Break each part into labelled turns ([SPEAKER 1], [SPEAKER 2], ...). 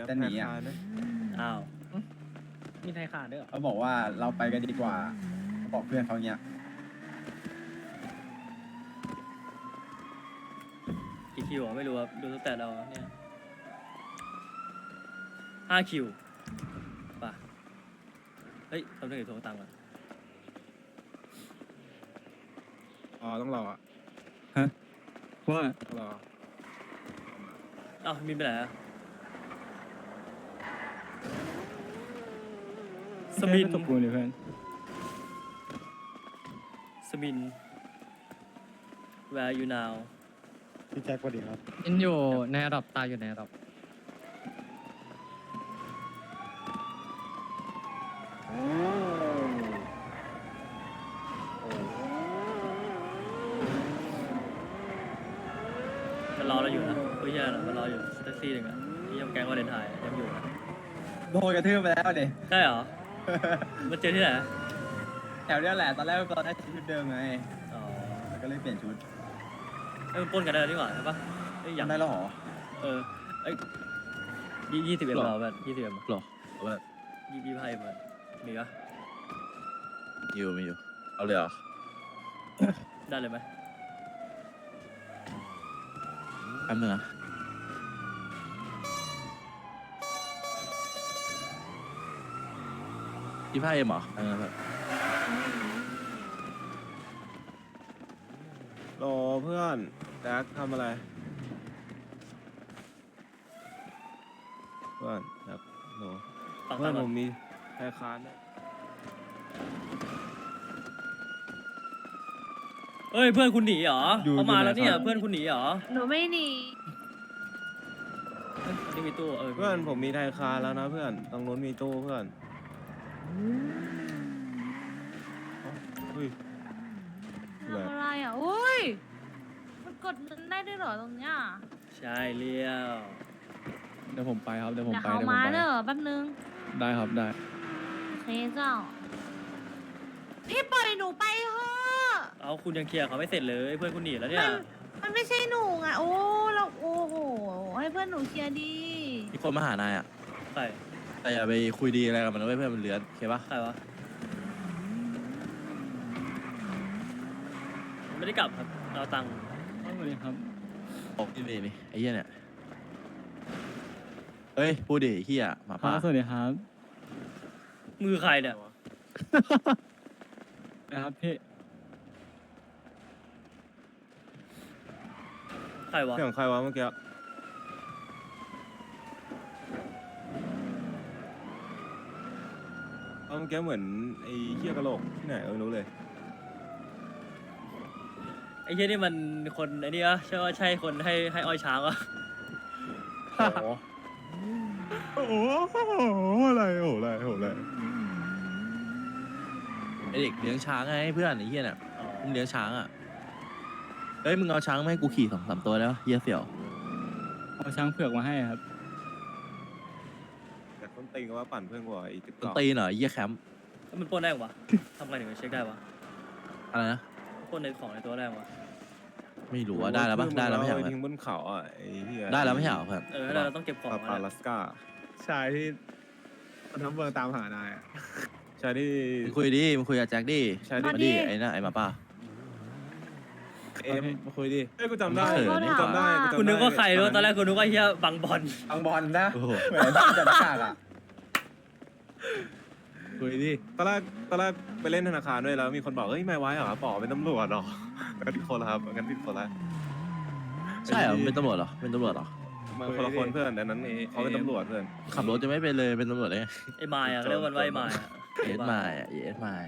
[SPEAKER 1] ครับ
[SPEAKER 2] จะหนีอ่ะ
[SPEAKER 1] ธนาคารนะ
[SPEAKER 3] อ้าว
[SPEAKER 4] มีไทยขาดด้วยเหรอ
[SPEAKER 2] เขาบอกว่าเราไปกันดีกว่าเขาบอกเพื่อนเขาเงี้ย
[SPEAKER 3] กี่คิวอ่ะไม่รู้ครับดูตั้งแต่เราเนี่ย5 คิวป่ะเฮ้ยทำได้กี่โทรตังค์อ่ะ
[SPEAKER 1] อ๋อต้องรออ่ะ
[SPEAKER 5] ว่า
[SPEAKER 1] ต้องรอ
[SPEAKER 3] อ้าวมีไปไหนอ่ะสมิน
[SPEAKER 5] ตบกูเลยเพื่อน
[SPEAKER 3] สมิน where are you now
[SPEAKER 1] พี่แจ็คสวัสดีครับ
[SPEAKER 4] อินอยู่ในระดับตายอยู่ในระดับ
[SPEAKER 3] มันรอเราอยู่นะเฮ้ยแย่นะมันรออยู่แท็กซี่หนึ่งอ่ะที่ยังแกงวาเลนไทน์ยังอยู่นะ
[SPEAKER 2] โดนกระทืบไปแล้วเด็
[SPEAKER 3] ใช่เหรอมันเจอที่ไหน
[SPEAKER 2] แถวเนี้ยแหละตอนแรกเราได้ชุดเดิมไง
[SPEAKER 3] อ๋อ
[SPEAKER 2] แล้วก็เลยเปลี่ยนชุด
[SPEAKER 3] เอ้ยมันปล้นกันได้แล้วนี่หว่าใช่ปะเอ้ย
[SPEAKER 2] ยังได้แล้วเหรอ
[SPEAKER 3] เออเอ้ย20 M เราแบบ20 M
[SPEAKER 6] หรอเอาแบบ
[SPEAKER 3] 25 M อะมีปะ
[SPEAKER 6] อยู่มีอยู่ เอาเลยเหรอ
[SPEAKER 3] ได้เลยไหม
[SPEAKER 6] แป๊บนึงนะ25 M เหรออันนั้นแบบ
[SPEAKER 1] รอเพื่อนแจ็คทำอะไร เพื่อนแจ็คโห
[SPEAKER 3] ฟัง
[SPEAKER 1] เพื่อน
[SPEAKER 3] ก่
[SPEAKER 1] ผ
[SPEAKER 3] อน
[SPEAKER 1] มมีธนาคารนะ
[SPEAKER 3] เอ้ยเพื่อนคุณหนีเหรอ
[SPEAKER 1] อยู่
[SPEAKER 3] เขามา
[SPEAKER 1] อยู่ไหน
[SPEAKER 3] แล้วเนี่ย
[SPEAKER 1] ครับ
[SPEAKER 3] เพื่อนคุณหนีเหรอ
[SPEAKER 7] หนูไม่หนี
[SPEAKER 3] เอ้ยอันนี่มีตู้
[SPEAKER 1] เพื่อนผมมีธนาคารแล้วนะเพื่อนตรงนู้นมีตู้เพื่อนเฮ้ยอะไร
[SPEAKER 7] ทำอะไรอ่ะอุ้ย มันกดเงินได้ด้วยเหรอตรงเนี้ย
[SPEAKER 3] ใช่เลี้ยว
[SPEAKER 5] เดี๋ยวผมไปครับเดี๋ยวผม
[SPEAKER 7] เดี๋ยว
[SPEAKER 5] ไป
[SPEAKER 7] เขา
[SPEAKER 5] เดี๋ยวผม
[SPEAKER 7] มา
[SPEAKER 5] ไป
[SPEAKER 7] เนอะแป๊บนึง
[SPEAKER 5] ได้ครับได้
[SPEAKER 7] โอเคเจ้า พี่ปล่อยหนูไปเถอะ
[SPEAKER 3] เอาคุณยังเคลียร์เขาไม่เสร็จเลยเพื่อนคุณหนีแล้วเนี่ย
[SPEAKER 7] มันไม่ใช่หนูไงโอ้เราโอ้โห ให้เพื่อนหนูเคลียร์ดี
[SPEAKER 6] มีคนมาหานายอ่ะ
[SPEAKER 3] ใคร
[SPEAKER 6] แต่อย่าไปคุยดีอะไรกับมันนะเว้ยเพื่อนมันเลือนโอเคปะ
[SPEAKER 3] ใครวะไม่ได้กลับครับเราตังค์
[SPEAKER 5] สวัสดีครับ
[SPEAKER 6] บอกนี่นี่ไอ้เหี้ยเนี่ย เฮ้ย พูดดิไอ้เหี้ยหมา
[SPEAKER 5] ครั
[SPEAKER 6] ป่า
[SPEAKER 5] บสวัสดีครับ
[SPEAKER 3] มือใครเนี่ย
[SPEAKER 5] นะครับพี่
[SPEAKER 3] ใครวะ
[SPEAKER 1] เสียงใครวะเมื่อกี้เอาเมื่อกี้เหมือนไอ้เหี้ยกะโหลกที่ไหนไม่รู้เลย
[SPEAKER 3] ไอ้เหี้ยนี่มันคนไอ้นี่วะใช่ว่าใช่คนให้อ้อยช้างวะ
[SPEAKER 1] โอ้โหอะไรโอ้โหอะไรโอ้โหอะไร
[SPEAKER 6] ไอเด็กเลี้ยงช้างไงเพื่อนไอ้เหี้ยเนี่ยมึงเลี้ยงช้างอ่ะ เฮ้ยมึงเอาช้างมาให้กูขี่2-3 ตัวแล้วเหี้ยเสี่ยว
[SPEAKER 5] เอาช้างเผือกมาให้ครับ
[SPEAKER 1] แต่ต้นตีนก็ว่าปั่นเพื่อนกว่าอีกติ๊ก
[SPEAKER 6] ต้น
[SPEAKER 1] ต็อก
[SPEAKER 6] ตีนเหรอไอ้เหี้ยแคมป์
[SPEAKER 3] แล้วมันปล้นได้วะทำไงถึงจะเช็คได้วะ
[SPEAKER 6] อะไรนะ
[SPEAKER 3] ปล้นในของในตัวได้วะ
[SPEAKER 6] ไม่รู้ว่าได้แล้วปะได้แล้วไม่ใช่เหรอ
[SPEAKER 1] ทิ้งบนเขาอ่ะไอ้เหี้ย
[SPEAKER 6] ได้แล้วไม่ใช่เหรอเพื่อน
[SPEAKER 3] เออแล้วเราต้องเก็บของ
[SPEAKER 1] ปา
[SPEAKER 3] ไว้
[SPEAKER 1] ปา
[SPEAKER 3] นะ
[SPEAKER 1] ลัสกา
[SPEAKER 8] ชายที่มันทำเมืองตามหานายอะ
[SPEAKER 1] ใช่ที่
[SPEAKER 6] มึงคุยดิมึงคุยกับแจ็คดิ
[SPEAKER 1] ใช่
[SPEAKER 6] มา
[SPEAKER 1] ที่
[SPEAKER 6] ดิไอ้น่ะไอ้หมาป่า
[SPEAKER 1] เอ็มมาคุยดิเอ้ยกูจำได้
[SPEAKER 6] ไม่เขิน
[SPEAKER 1] กูจำได้จำได้
[SPEAKER 3] คุณนึกว่าใครรู้ตอนแรกคุณนึกว่าเฮียบังบอล
[SPEAKER 2] อังบอลนะ
[SPEAKER 6] โอ้โห
[SPEAKER 2] เหมือนที่จัดฉากอ่ะ
[SPEAKER 1] คุยดิตอนแรกไปเล่นธนาคารด้วยแล้วมีคนบอกเฮ้ยไม่ไว้เหรอป๋อเป็นตำรวจเหรองั้นผิดคนละครับงั้นผิดคนละ
[SPEAKER 6] ใช่เหรอมึงเป็นตำรวจเหรอเป็นตำรวจเหรอ
[SPEAKER 1] มันคนละคนเพื่อนแต่นั้นเขาเป็นตำรวจเพื่อน
[SPEAKER 6] ขับรถจะไม่เป็นเลยเป็นตำรวจเลยไง
[SPEAKER 3] ไอ้มายอ่ะเขาเรียกมันว่าไอ้มายอ่ะ
[SPEAKER 6] เอสมาอ่ะเอสมา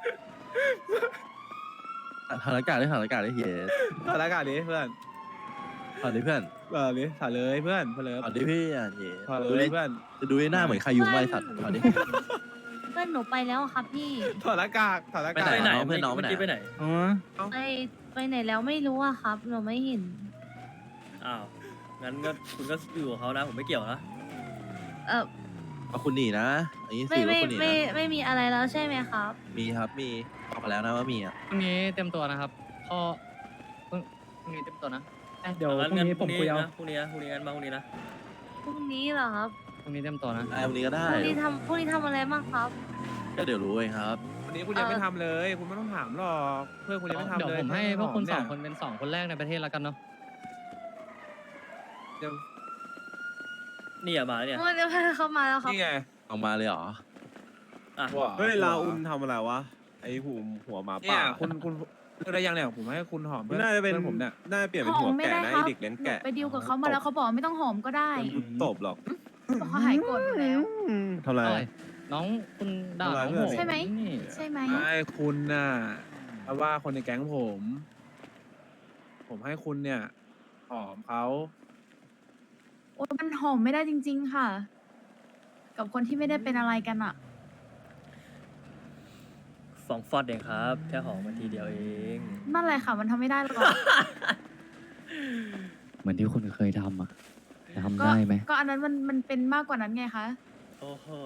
[SPEAKER 6] ถานอากาศได้ถานอากาศได้เฮีย
[SPEAKER 8] ถอดอากาศดิเพื่อน
[SPEAKER 6] ถอดดิเพื่อน
[SPEAKER 8] ดิถอดเลยเพื่อนเพลิ
[SPEAKER 6] ถอดดิพี่อ่ะเฮีย
[SPEAKER 8] ถอด
[SPEAKER 6] ดู
[SPEAKER 8] เล
[SPEAKER 6] ดิ
[SPEAKER 8] ยเพื่อน
[SPEAKER 6] จะดูไอ้หน้าเหมือนใครยุงไว้สัตว์ถอดดิ
[SPEAKER 7] เพื่อนหนูไปแล้วอะครับพี่
[SPEAKER 8] ถอดอากาศถอดอา
[SPEAKER 6] ไป
[SPEAKER 8] กาศ
[SPEAKER 6] ไห
[SPEAKER 3] ไปไหน
[SPEAKER 6] น้องเพื่อนน้องไปไหน
[SPEAKER 3] เมื่อกี้ไปไหน
[SPEAKER 5] อ๋อ
[SPEAKER 7] ไปไหนแล้วไม่รู้อะครับ หนูไม่เห็น
[SPEAKER 3] อ้าวงั้นก็คุณก็อยู่กับเขานะผมไม่เกี่ยวนะ
[SPEAKER 7] เออ
[SPEAKER 6] เอาคุณหนีนะอันนี้
[SPEAKER 7] ไม่
[SPEAKER 6] สื่อว่า
[SPEAKER 7] ไม่
[SPEAKER 6] คุณหนี
[SPEAKER 7] ไม่
[SPEAKER 6] นะ
[SPEAKER 7] ไม่มีอะไรแล้วใช่ไหมครับ
[SPEAKER 6] มีครับมีบอกมาแล้วนะว่ามีอ่ะ
[SPEAKER 4] พรุ่งนี้เต็มตัวนะครับพ่อพรุ่งนี้เต็มตัวนะ
[SPEAKER 5] เดี๋ยวพรุ่งนี้ผมคุยเอา
[SPEAKER 3] นะพรุ่งนี้นะพรุ่งนี้งั้นมาพรุ่งนี้นะ
[SPEAKER 7] พรุ่งนี้เหรอครับ
[SPEAKER 4] รุ่งนี้เต็มตัวนะ
[SPEAKER 6] ได้วันนี้ก็ได้
[SPEAKER 7] พรุ่งนี้ทำอะไรบ้างครับ
[SPEAKER 6] ก็เดี๋ยวรู้เองครับ
[SPEAKER 8] วันนี้คุณยังไม่ทำเลย คุณไม่ต้องถามหรอกเพื่อนคุณยังไม่ทำ
[SPEAKER 4] เดี๋ยว
[SPEAKER 8] เลย
[SPEAKER 4] ผมให้พวกคุณ
[SPEAKER 8] แ
[SPEAKER 4] สองคนเป็นสองคนแรกในประเทศแล้วกันเนาะ
[SPEAKER 8] เดี๋ยว
[SPEAKER 3] นี่อะมาแล้วเนี่ย
[SPEAKER 7] เมื่อเดี๋ยวเข้ามาแล้วครับ
[SPEAKER 8] นี่ไง
[SPEAKER 6] ออกมาเลยเหรอ
[SPEAKER 3] อ่ะ
[SPEAKER 1] เฮ้ยลาอุนทำอะไรวะไอหัวหมา
[SPEAKER 8] เนี่
[SPEAKER 1] ป่า
[SPEAKER 8] ยคุณเลือกได้ยังเนี่ยผมให้คุณหอมเพื่อน
[SPEAKER 1] น่าจะเป็น
[SPEAKER 8] เพื่อนผมเนี่ย
[SPEAKER 1] น่าจะเปลี่ยนเป็นหัวแกะนะไอเด็กเลี้ยงแกะ
[SPEAKER 9] ไปดิวกับเขามาแล้วเขาบอกไม่ต้องหอมก็ได้
[SPEAKER 1] ตบหรอก
[SPEAKER 9] บอกเขาหายโกรธหมดแล้ว
[SPEAKER 1] ทำไร
[SPEAKER 4] อะไรน้องคุณด่าน้องผม
[SPEAKER 9] ใช่ไหม
[SPEAKER 4] นี่
[SPEAKER 9] ใช่ไหม
[SPEAKER 8] ไม่คุณน่ะเพราะว่าคนในแก๊งผมให้คุณเนี่ยหอมเขา
[SPEAKER 9] โอ้ยมันหอมไม่ได้จริง ๆ ค่ะ กับคนที่ไม่ได้เป็นอะไรกันอ่ะ
[SPEAKER 3] 2 ฟอดเองครับ แค่หอมมาทีเดียวเอง
[SPEAKER 9] นั่นแหละค่ะ มันทำไม่ได้หรอก
[SPEAKER 5] เหมือนที่คุณเคยทำอ่ะจะทำ
[SPEAKER 9] ก็
[SPEAKER 5] ได้ไหม
[SPEAKER 9] ก็อันนั้นมันเป็นมากกว่านั้นไงคะ
[SPEAKER 3] โอ้โห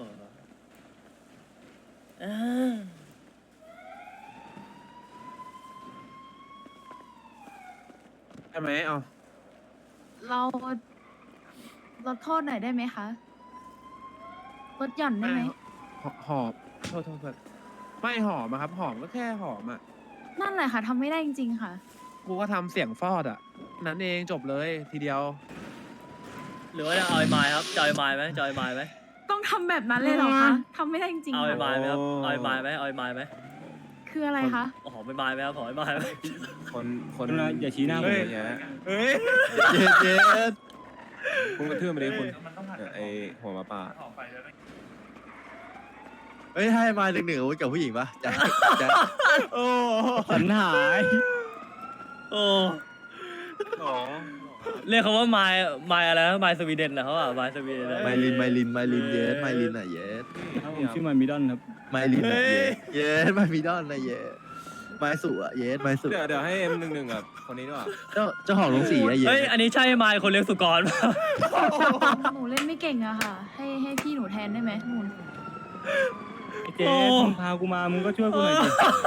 [SPEAKER 8] ใช่ไหมเอา
[SPEAKER 9] เราลดโทษหน่อยได้ไหมคะลดหย่อนได้ไหม
[SPEAKER 8] หอมโทษไม่หอมอะครับ หอมก็แค่หอมอะ
[SPEAKER 9] นั่นแหละค่ะทำไม่ได้จริง ๆ ค่ะ
[SPEAKER 8] กูก็ทำเสียงฟอดอะนั้นเองจบเลยทีเดียว
[SPEAKER 3] หรือว่าจะเอาไอ้ไม้ครับจะเอาไอ้ไม้ไหมจะเอาไอ้ไม้ไหม
[SPEAKER 9] ต้องทำแบบนั้นเลยเหรอคะทำไม่ได้จริง
[SPEAKER 3] เอา
[SPEAKER 9] ๆ
[SPEAKER 3] ไอ้
[SPEAKER 9] ค่ะ
[SPEAKER 3] ไม้ไหมครับเอาไอ้ไม้ไหมเอาไอ้ไม้ไหม
[SPEAKER 9] คืออะไรคะ
[SPEAKER 3] หอมไอ้ไม้ไหมครับหอมไอ้ไม้ไหม
[SPEAKER 1] คน
[SPEAKER 5] คุณนะอย่าชี้หน้าผม
[SPEAKER 1] เยอะแยะ
[SPEAKER 8] เฮ้ย
[SPEAKER 6] เย็ดเย็ด
[SPEAKER 1] คุณกระทืบมาดิคุณไอหัวหมาป่า
[SPEAKER 6] เฮ้ยให้มา1-1อาวุธกับผู้หญิงปะแจ๊ค
[SPEAKER 8] โอ้
[SPEAKER 5] สันหาย
[SPEAKER 3] โอ้
[SPEAKER 1] หรอ
[SPEAKER 3] เรียกเขาว่าไม้อะไรนะไม้สวีเดนนะเขาอ่ะไม้สวีเดน
[SPEAKER 6] ไมลินเย็ดไมลินอ่ะเย็ด
[SPEAKER 5] ครับผมชื่อมันมิดอนครับ
[SPEAKER 6] ไมลินอ่ะเย็ดไมมิดอนนะเย็ดไมสุอ่ะเย็ดไมสุ
[SPEAKER 1] เดี๋ยวให้M11กับคนนี้ด้วย
[SPEAKER 6] เจ้าของโรงสีอ่ะเย็
[SPEAKER 3] เฮ้ย
[SPEAKER 6] ด
[SPEAKER 3] อันนี้ใช่ไม้คนเลี้ยงสุกรป่ะ
[SPEAKER 9] หนูเล่นไม่เก่งอะค่ะ ให้พี่หนูแทนได้ไหมหนู
[SPEAKER 5] ไอ้เจ๊มึงพากูมา มึงก็ช่วยกูหน่อยดิ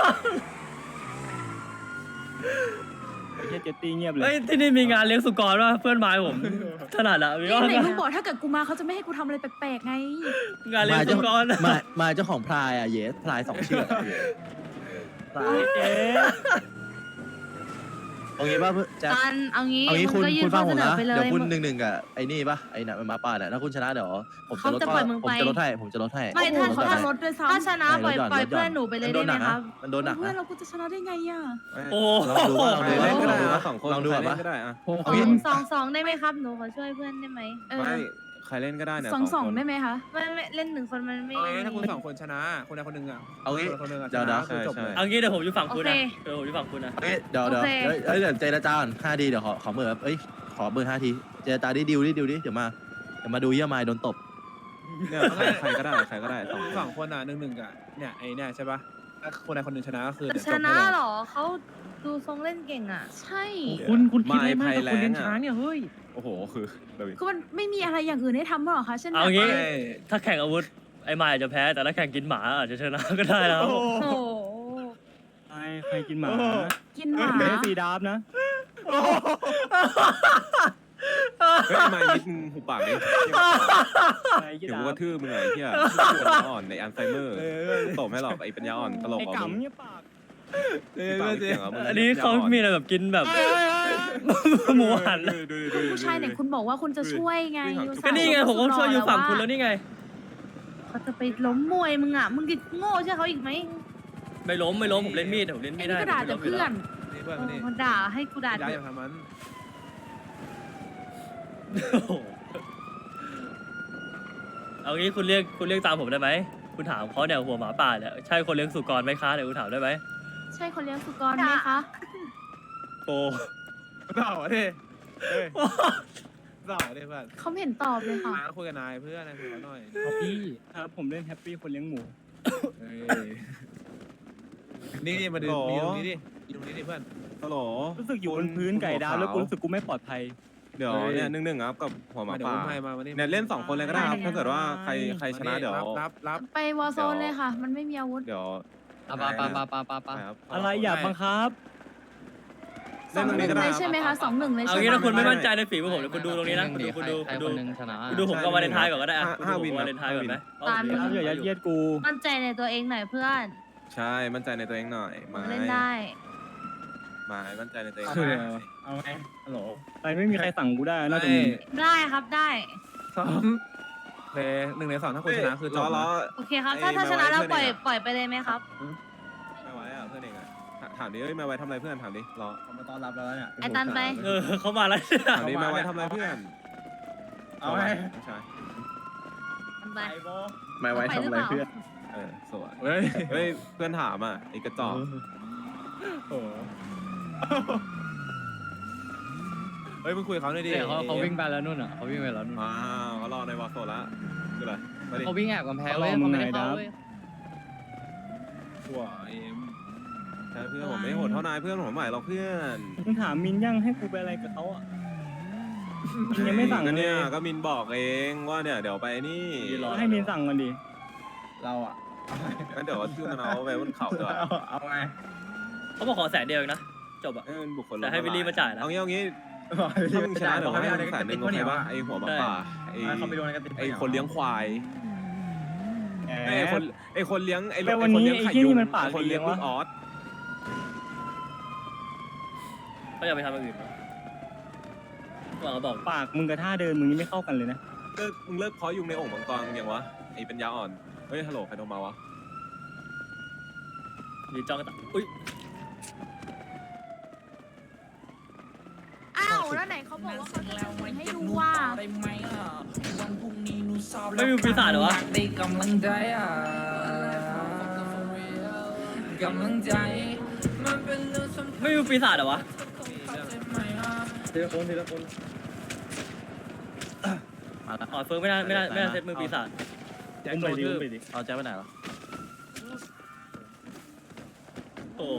[SPEAKER 5] ไอ้เจ๊เจตตี้เงียบเล
[SPEAKER 3] เฮ้
[SPEAKER 5] ย
[SPEAKER 3] ยที่นี่มีงานเลี้ยงสุกรป่ะเพื่อนไม้ผมถนัดอะมี
[SPEAKER 9] นี่
[SPEAKER 3] ว่า
[SPEAKER 9] ไหนลูกบอกถ้าเกิดกูมาเขาจะไม่ให้กูทำอะไรแปลกๆไง
[SPEAKER 3] งานเลี้ยงสุกร
[SPEAKER 6] มาเจ้าของพลายอ่ะเย็ดพลาย2 เชือกอะเย็ดพลาย
[SPEAKER 5] เจ๊
[SPEAKER 6] เอางี้ป่ะเพื่อนแจ๊ค
[SPEAKER 7] กันเอางี้
[SPEAKER 6] เอางี้
[SPEAKER 7] มึงก็ยื่
[SPEAKER 6] คุ
[SPEAKER 7] น
[SPEAKER 6] ณฟั
[SPEAKER 7] ข้อง
[SPEAKER 6] ผ
[SPEAKER 7] เส
[SPEAKER 6] ม
[SPEAKER 7] นอ
[SPEAKER 6] นะ
[SPEAKER 7] ไปเล
[SPEAKER 6] เดี๋ย
[SPEAKER 7] ยว
[SPEAKER 6] คุณ1-1กับไอ้นี่ป่ะไอ้น่ะมันหมาป่าเนี่ยถ้าคุณชนะเดี๋ยวผมจะลด
[SPEAKER 7] เขาจะปล่อยมึง
[SPEAKER 6] ผม
[SPEAKER 7] ไป
[SPEAKER 6] จะลดให้ผมจะลดให้
[SPEAKER 7] ไม่ถ้า
[SPEAKER 9] เขาจะลดด้วยซ้ำ
[SPEAKER 7] ถ้าชนะปล่อย
[SPEAKER 6] ไม่ลดหย่อน
[SPEAKER 7] ปล่อย
[SPEAKER 6] ลดหย่อน
[SPEAKER 7] เพื่อนหนูไปเลยได้ไหมครับ
[SPEAKER 6] มันโดนหนัก
[SPEAKER 9] เพื่อน
[SPEAKER 6] นะ
[SPEAKER 9] เรากูจะชนะได้ไงอะ
[SPEAKER 3] โอ้
[SPEAKER 6] ลองดูว่าลอง
[SPEAKER 1] ใคร
[SPEAKER 6] ดู
[SPEAKER 1] เล่นก็ได้
[SPEAKER 6] ว่า
[SPEAKER 1] นะ2 คน
[SPEAKER 6] ลองดู
[SPEAKER 1] ใคร
[SPEAKER 6] ก่อน
[SPEAKER 1] เล่น
[SPEAKER 6] ปะ
[SPEAKER 1] ก็ได้อะ
[SPEAKER 5] พวก
[SPEAKER 6] เอางี้
[SPEAKER 7] 2-2ได้ไหมครับหนูขอช่วยเพื่อนได้ไหม
[SPEAKER 1] ไม่ใครเล่นก็ได้เนี่ย
[SPEAKER 9] สอง
[SPEAKER 1] คน
[SPEAKER 9] ได้ไหมคะ
[SPEAKER 7] ไม่เล่น1 คนมันไม่
[SPEAKER 8] เอาไงถ้าคุณ2 คนชนะคนใดคนหนึ่งอะ
[SPEAKER 6] เอางี้
[SPEAKER 8] คนหนึ่งอะช
[SPEAKER 6] เดี๋ยว
[SPEAKER 8] นะ
[SPEAKER 6] นะ
[SPEAKER 8] คือจบเลย
[SPEAKER 3] เอางี้เดี๋ยวผมอยู่ฝั่งคุณนะเดี๋ยวผมอยู่ฝั่งคุณนะ
[SPEAKER 6] เอ้ยเดี๋ยวเดี๋ยวเจรจาก่อน5 ทีเดี๋ยวขอเบอร์ครับขอเบอร์5 ทีเจรจาดิดิวดิเดี๋ยวมาดูเยี่ยมายโดนตบ
[SPEAKER 1] เนี่ยใครก็ได้ใครก็ได้2 คน
[SPEAKER 8] 2 คนอะ1-1อะเนี่ยไอ้เนี่ยใช่ปะถ้าคนใดคนหนึ่งชนะก็คือ
[SPEAKER 7] แต่
[SPEAKER 8] เดี๋ยว
[SPEAKER 7] ช
[SPEAKER 8] จบ
[SPEAKER 7] นะ
[SPEAKER 8] ให้เลย
[SPEAKER 7] เหรอเขาดูทรงเล่นเก่งอ่ะ
[SPEAKER 9] ใช่
[SPEAKER 4] คุณคิดอะไรมากกับคนเลี้ยงช้างเนี่ย เฮ้ย
[SPEAKER 1] โอ้โหคือเลย
[SPEAKER 9] คือมันไม่มีอะไรอย่างอื่นให้ทำหรอคะเช่นแบบ
[SPEAKER 3] เอางี้
[SPEAKER 8] ไม่
[SPEAKER 3] ถ้าแข่งอาวุธไอ้ไม้อาจจะแพ้แต่ถ้าแข่งกินหมาอาจจะชนะก็ได้นะครับ
[SPEAKER 7] โอ้โห
[SPEAKER 5] ใครกินหมา
[SPEAKER 9] กินหมา
[SPEAKER 5] ไม่ได้สีดาบนะ
[SPEAKER 1] เฮ้ยมานิดนึงหูปากดิ
[SPEAKER 5] ใครกิน
[SPEAKER 1] เดี๋ยว
[SPEAKER 5] ดา
[SPEAKER 1] กู
[SPEAKER 5] บ
[SPEAKER 1] กระทืบมึงไงเหี้ยปัญญาอ่อนในอัลไซเมอร์ตบไม่หรอกไอ้ปัญญาอ่อนตลก
[SPEAKER 5] ไอ้
[SPEAKER 1] อ่ะมึง
[SPEAKER 5] กำเนี่ยปาก
[SPEAKER 1] ที่ปากไม่เสียงอ่ะมึง
[SPEAKER 3] อันนี้เขามีอะไรแบบกินแบบหมูหัน
[SPEAKER 1] ดู
[SPEAKER 9] ผู้ชายเนี่ยคุณบอกว่าคุณจะช่วยไง
[SPEAKER 3] ก็นี่ไงผมก็ช่วยอยู่ฝั่งคุณแล้วนี่ไง
[SPEAKER 7] เขาจะไปล้มมวยมึงอ่ะมึงจะโง่ใช่เขาอีกไหม
[SPEAKER 3] ไม่ล้มผมเล่นมีดผมเล่น
[SPEAKER 9] ไอ้
[SPEAKER 3] มีด
[SPEAKER 9] นี่
[SPEAKER 3] ได้
[SPEAKER 9] ก็ด่าแต่เพื่อน
[SPEAKER 8] นี่เพื่อนมานี่
[SPEAKER 7] มันด่าให้กูด่า
[SPEAKER 8] ย้าย
[SPEAKER 7] เถ
[SPEAKER 8] อย่า
[SPEAKER 7] อะ
[SPEAKER 8] ทำมัน
[SPEAKER 3] โอ้โหเอางี้คุณเรียกตามผมได้ไหมคุณถามเขาเนี่ยหัวหมาป่าเนี่ยใช่คนเลี้ยงสุกรไหมคะเนี่ยคุณถามได้ไหม
[SPEAKER 9] ใช่คนเลี้ยงสุกรไหมคะ
[SPEAKER 3] โอ้
[SPEAKER 8] เต่าดิเฮ้ยเต่าดิเพื่อน
[SPEAKER 9] เขาไม่เห็นตอบเลยค่ะ
[SPEAKER 8] มาคุยกับนายเพื่อนนายคุยกับเขาหน่อย
[SPEAKER 5] พี่ครับผมเล่นแฮปปี้คนเลี้ยงหมู
[SPEAKER 8] เฮ้ยนี่มาดูนี่ตรงนี้ดิตรงนี้ดิเพื่อน
[SPEAKER 1] ฮัลโหล
[SPEAKER 5] รู้สึกอยู่บนพื้นไก่ดาวแล้วกูรู้สึกกูไม่ปลอดภัย
[SPEAKER 1] เดี๋ยวเนี่ย1-1ครับกับหัวหมา
[SPEAKER 8] เดี๋ยว
[SPEAKER 1] ป่า
[SPEAKER 8] อุ้มให้มานี่
[SPEAKER 1] เนี่ยเล่น2 คนเลยก็ได้ครับถ้าเกิดว่าใครชนะเดี๋ยว
[SPEAKER 8] รับ
[SPEAKER 9] ไปวอร์โซนเลยค่ะ มันไม่มีอาวุธ
[SPEAKER 1] เดี๋ยว
[SPEAKER 4] ปา
[SPEAKER 1] ครับ
[SPEAKER 5] อะไรอยากบังคับ
[SPEAKER 9] สองหนึ่งเลยใช่ไหมคะ2-1เลย
[SPEAKER 3] เอา
[SPEAKER 9] ใช่
[SPEAKER 3] งี้
[SPEAKER 9] ไหม
[SPEAKER 3] ถ้าคุณไม่มั่นใจในฝีมือผมเดี๋ยวคุณดูตรงนี้นะ
[SPEAKER 4] หง
[SPEAKER 3] คุณ
[SPEAKER 4] ดิ
[SPEAKER 3] ดู
[SPEAKER 4] ใคร
[SPEAKER 3] คุณ
[SPEAKER 4] ค
[SPEAKER 3] ดู
[SPEAKER 4] นหนึ่งชนะ
[SPEAKER 3] คุณดูผมกับวาเลนไทน์ก่อนก็ได้อะคุณดูผมกับวาเลนไทน์ก่อนไหม
[SPEAKER 5] อย่ายัดเยียดกู
[SPEAKER 7] มั่นใจในตัวเองหน่อยเพื่อน
[SPEAKER 1] ใช่มั่นใจในตัวเองหน่อยไม้
[SPEAKER 7] เล่นได้
[SPEAKER 1] ไม้มั่นใจในตัวเอง
[SPEAKER 2] เอาไหมเอาไหมฮัลโหล
[SPEAKER 5] ไปไม่มีใครสั่งกูได้นอกจากมึง
[SPEAKER 7] ได้ครับได้
[SPEAKER 8] ซ้อมเพลย์1 ใน 2ถ้าคุณชนะคือจบ
[SPEAKER 1] ล้อ
[SPEAKER 8] นะ
[SPEAKER 7] โอเคครับ ถ้าชนะแล้วปล่อยไปเลยไหมครับ
[SPEAKER 1] ไม่ไหวอ่ะเพื่อนเองอ่ะถามดิเอ้ยไม่ไหวทำอะไรเพื่อนถามดิรอ
[SPEAKER 2] เขามาต้อนรับเราแล้วเนี่ย
[SPEAKER 7] ไอ้ตันไป
[SPEAKER 3] เขามาแล้ว
[SPEAKER 1] ถามดิไม่ไหวทำอะไรเพื่อน
[SPEAKER 2] เอาไหม
[SPEAKER 1] ไม่ใช่
[SPEAKER 7] ตันไป
[SPEAKER 2] ไปโบ
[SPEAKER 7] ไม่ไว้ทำอะไรเพื่อน
[SPEAKER 1] สวย
[SPEAKER 8] เฮ้ย
[SPEAKER 1] เฮ้ยเพื่อนถามอ่ะไอ้กระจอก
[SPEAKER 2] โอ้โห
[SPEAKER 8] เฮ้ยมึงคุยกับเขาหน่อยดิ
[SPEAKER 4] เดี๋ยวเขาวิ่งไปแล้วนู่นอ่ะเขาวิ่งไปแล้วนู่น
[SPEAKER 1] ว้าวเขารอในวอลโซละคืออะไรมาดิ
[SPEAKER 4] เขาวิ่งแอบกำแพงเว้ยเขาไม่ได้เข้าเว้ย
[SPEAKER 8] หัวเอ็ม
[SPEAKER 1] ใช่เพื่อนผมไม่โหดเท่านายเพื่อนผมใหม่หรอกเพื่อน
[SPEAKER 5] มึงถามมินยังให้กูไปอะไรกับเขาอ่ะมินยังไม่สั่ง
[SPEAKER 1] ก็
[SPEAKER 5] เล
[SPEAKER 1] เนี่ย
[SPEAKER 5] ย
[SPEAKER 1] ก็มินบอกเองว่าเนี่ยเดี๋ยวไปนี่
[SPEAKER 5] ให้มินสั่งกันดิ
[SPEAKER 2] เราอ่ะ
[SPEAKER 1] งั้นเดี๋ยวชื่อมันเอาไปบนเขาดีกว่า
[SPEAKER 2] เอาไง
[SPEAKER 3] เขาบอกขอ100,000เดียวเองนะจบอ่ะ
[SPEAKER 1] ให้มันบุคคล
[SPEAKER 3] แต่ให้วิลลี่มาจ่ายนะ
[SPEAKER 1] เอางี้ถ้ามึงชนะเดี๋ยวให้มึง100,000โอเคปะไอหัวหมาป่าไอ
[SPEAKER 2] เขาไปโดนกันติด
[SPEAKER 1] ไอคนเลี้ยงควาย
[SPEAKER 5] แห
[SPEAKER 1] ไอ
[SPEAKER 5] ม
[SPEAKER 1] คนเลี้ยงไอ
[SPEAKER 5] แต่วันนี้
[SPEAKER 1] ค
[SPEAKER 5] ไอ้
[SPEAKER 1] ไข่
[SPEAKER 5] ที่
[SPEAKER 1] ยุ
[SPEAKER 5] นี่
[SPEAKER 1] ง
[SPEAKER 5] มันปาก
[SPEAKER 1] ไอ้คนเลี้ยง
[SPEAKER 5] ดี
[SPEAKER 1] ลู
[SPEAKER 5] วะ
[SPEAKER 1] กออส
[SPEAKER 3] เขาอยากไปทำอย่างอื่นเขาบอก
[SPEAKER 5] ปากมึงกับท่าเดินมึงนี่ไม่เข้ากันเลยนะ
[SPEAKER 1] มึงเลิกเพาะยุงในโอ่งมังกรมึงยังวะไอเป็นยาอ่อนเฮ้ยฮัลโหลใครโทรมาวะ
[SPEAKER 3] ยืนจ้องกันอุ้ย
[SPEAKER 9] อ้าวแล้วไหนเขาบอกว่าเขาจะทำให้ดูว่า
[SPEAKER 3] ไม่มีปีศาจเหรอวะ
[SPEAKER 10] ได้กำลังใจกำลังใจมันเป็นเรื่องสำคัญ
[SPEAKER 3] ไม่มีปีศาจเหรอวะ
[SPEAKER 2] ทีละคนทีละคน
[SPEAKER 6] มาแล้ว
[SPEAKER 3] อ๋อเฟิร์นไม่ได้เซตมือปีศาจ
[SPEAKER 8] แจ็ค
[SPEAKER 5] อุ้ม
[SPEAKER 8] โด
[SPEAKER 5] ไป
[SPEAKER 8] น
[SPEAKER 5] ดิ
[SPEAKER 8] ทื
[SPEAKER 5] อุ้
[SPEAKER 8] บ
[SPEAKER 5] มไปดิ
[SPEAKER 6] เอาแจ็คไปไหนเหรอ
[SPEAKER 3] โอ้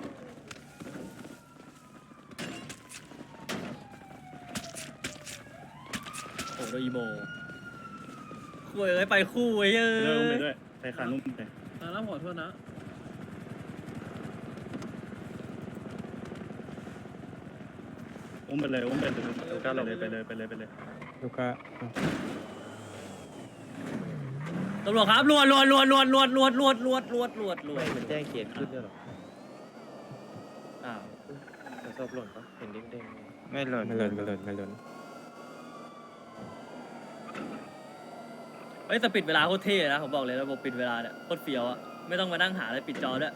[SPEAKER 3] โหโดยอีโมคุยเลยไปคู่ไว้เยอะ
[SPEAKER 5] เริ่มไปด้วยไปขานุ่มไป
[SPEAKER 8] แล้วขอโทษนะ
[SPEAKER 5] อุ้มไปเลยอุ้มไปเลยลูก้าเลยไปเลยลูก้า
[SPEAKER 3] ตำรวจครับรวด
[SPEAKER 6] มันแจ้งเขียนขึ้นด้วยหรอ
[SPEAKER 3] อ้าว
[SPEAKER 6] ศพหล่นปะเห็นเด้ง
[SPEAKER 5] ไม่หล่น
[SPEAKER 3] เฮ้ยแต่ปิดเวลาโคตรเท่นะผมบอกเลยระบบปิดเวลาเนี่ยโคตรเฟี้ยวอะไม่ต้องมานั่งหาอะไรปิดจอด้วย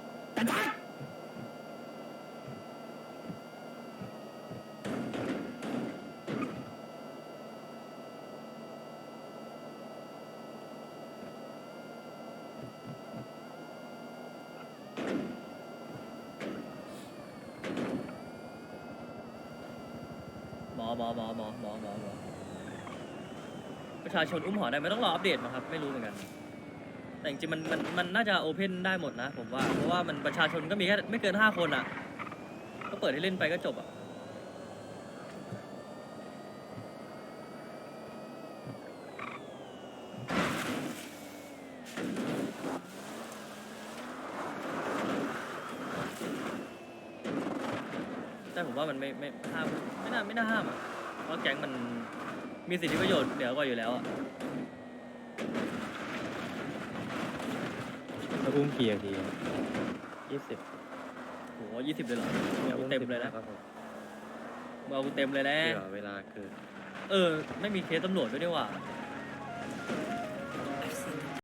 [SPEAKER 3] หมอประชาชนอุ้มหอได้ไม่ต้องรออัปเดตมั้งครับไม่รู้เหมือนกันแต่จริงๆมันน่าจะโอเพนได้หมดนะผมว่าเพราะว่ามันประชาชนก็มีแค่ไม่เกิน5 คนอ่ะก็เปิดให้เล่นไปก็จบอ่ะแต่ผมว่ามันไม่ห้ามไม่น่าห้ามอ่ะเพราะแก๊งมันมีสิทธิประโยชน์เหนือกว่าอยู่แล้วอ่ะ
[SPEAKER 5] แล้วอุ้มกี่นาที
[SPEAKER 6] 20
[SPEAKER 3] โห20เลยเหรอเอากูเต็มเลยนะเอากูเต็มเลยนะ
[SPEAKER 6] เวลาเกิน
[SPEAKER 3] ไม่มีเคสตำรวจด้วยนี่หว่า